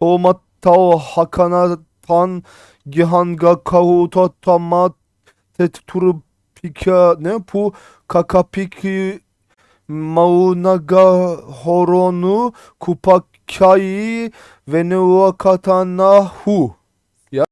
Tomatao hakana tan gihanga kahuta tamat turu pika ne pu kakapiki maunaga horonu kupakai venua katana hu. Ya.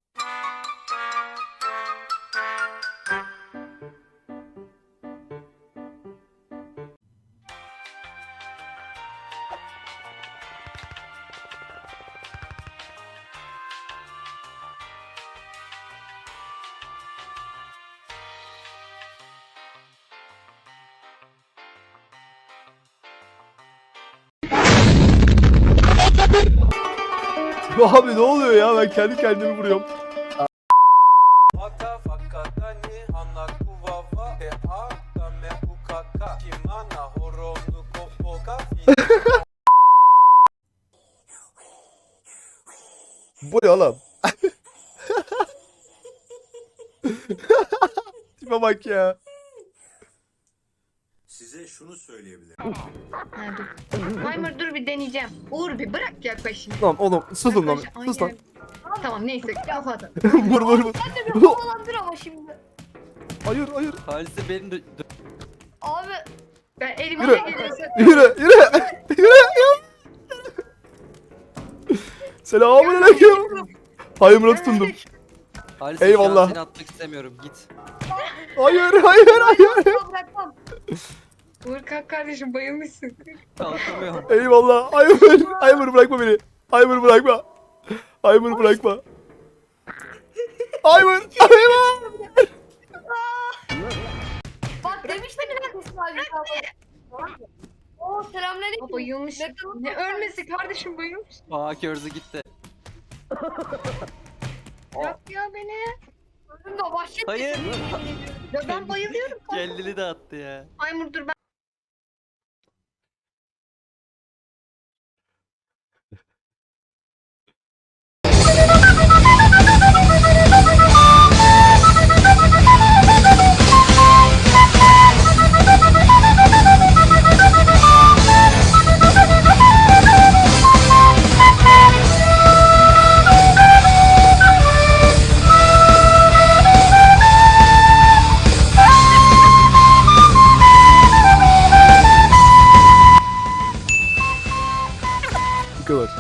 Abi ne oluyor ya, ben kendi kendimi vuruyorum. Bu ne oğlum? Tipe bak ya. Size şunu söyleyebilirim. Ha, dur. Timer dur bir deneyeceğim. Uğur bir bırak yaklaşını. Lan oğlum susun lan. Yaklaş- Sus lan. Aynen. Tamam neyse kapat. Vur vur vur. Sen de bir havalandır ama şimdi. Hayır hayır. Halise beni de... Abi Ben elime Yürü. ne gelirse. Yürü yürü. Yürü. Selamünaleyküm. Hayırlı tutundum. Halise Eyvallah. şu an seni atmak istemiyorum. Git. Hayır hayır hayır. bırakmam. Uğur kalk kardeşim bayılmışsın. Kalkamıyorum. Eyvallah. Hayır. Hayır bırakma beni. Hayır bırakma. Hayır bırakma. Hayır. Hayır. Bak demiştim neredesin abi? Oo selamünaleyküm. Aa, bayılmış. Ne ölmesi kardeşim bayılmış. Aa körzü gitti. Bırak ya beni. Öldüm de başladı. Hayır. Ya ben bayılıyorum. Kendini de attı ya. Timer dur ben. Bu kadar.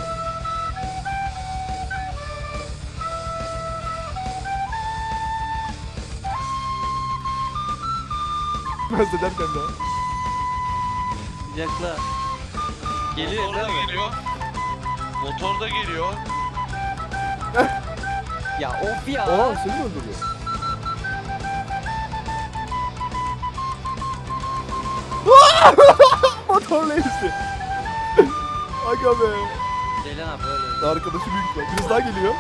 Nasıl ederken daha? Yakla. Geliyor Motor da değil mi? geliyor. Motor da geliyor. Ya of ya. Aa seni mi öldürdü? Motorla ezdi. Aga be. Ceylan abi böyle. Arkadaşı büyük ihtimal. Birisi daha geliyor.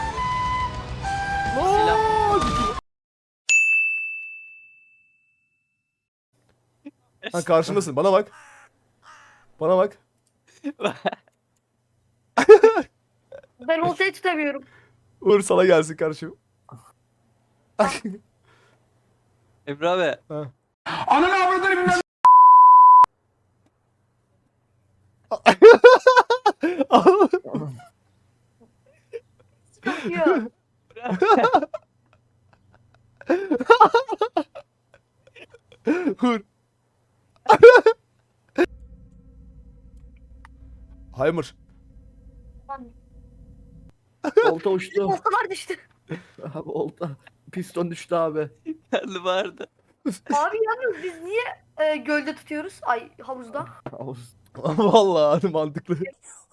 Silah. Ha karşımdasın. Bana bak. Bana bak. Ben oltayı tutamıyorum. Uğur sana gelsin karşım. Emre abi. Ha. Yok. Uğur. Haymır. Olta uçtu. Oltalar düştü. Abi olta. Piston düştü abi. Karlı vardı. Abi yalnız biz niye gölde tutuyoruz? Ay havuzda. Vallahi mantıklı.